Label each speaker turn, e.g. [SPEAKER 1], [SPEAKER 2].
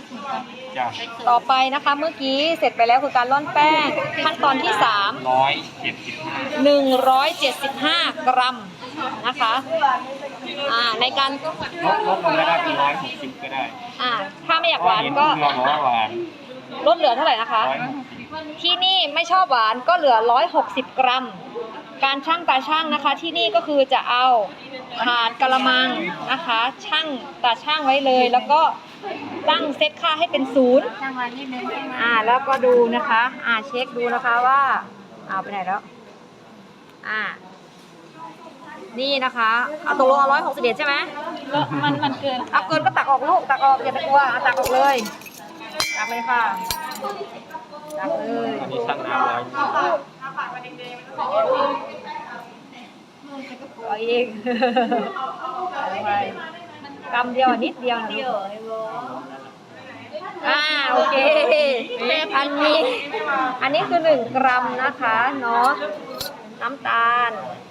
[SPEAKER 1] จ้ะ
[SPEAKER 2] ต่อไปนะคะเมื่อกี้เสร็จไปแล้วคือการร่อนแป้งขั้นตอนที่
[SPEAKER 1] 175
[SPEAKER 2] 3 175 กรัมนะคะในการ
[SPEAKER 1] ลดลงก็ได้เป็น160ก็ได้
[SPEAKER 2] ถ้าไม่อยากหวานก็
[SPEAKER 1] เพื่อนบอกว่าหวาน
[SPEAKER 2] ลดเหลือเท่าไหร่นะคะ
[SPEAKER 1] 160
[SPEAKER 2] ที่นี่ไม่ชอบหวานก็เหลือ160 กรัม การชั่งตาชั่งนะคะที่นี่ก็คือจะเอาถาดกะละมังนะคะชั่งตาชั่งไว้เลยแล้วก็ตั้งเซตค่าให้เป็น0แล้วก็ดูนะคะเช็คดูนะคะว่าเอาไปไหนแล้วนี่นะคะเอาตกลงเอา161ใช่ไหม
[SPEAKER 3] มันเกิน
[SPEAKER 2] เอาเกินก็ตักออกลูกตักออกอย่าไปกลัวตักออกเลยตักเลยค่ะตักเลย
[SPEAKER 1] อันนี้ชั่งน้ำ100
[SPEAKER 2] เอาอีกไปกำเดียวนิดเดียวนะลูกโอเคอันนี้คือ1 กรัมนะคะเนาะน้ำตาล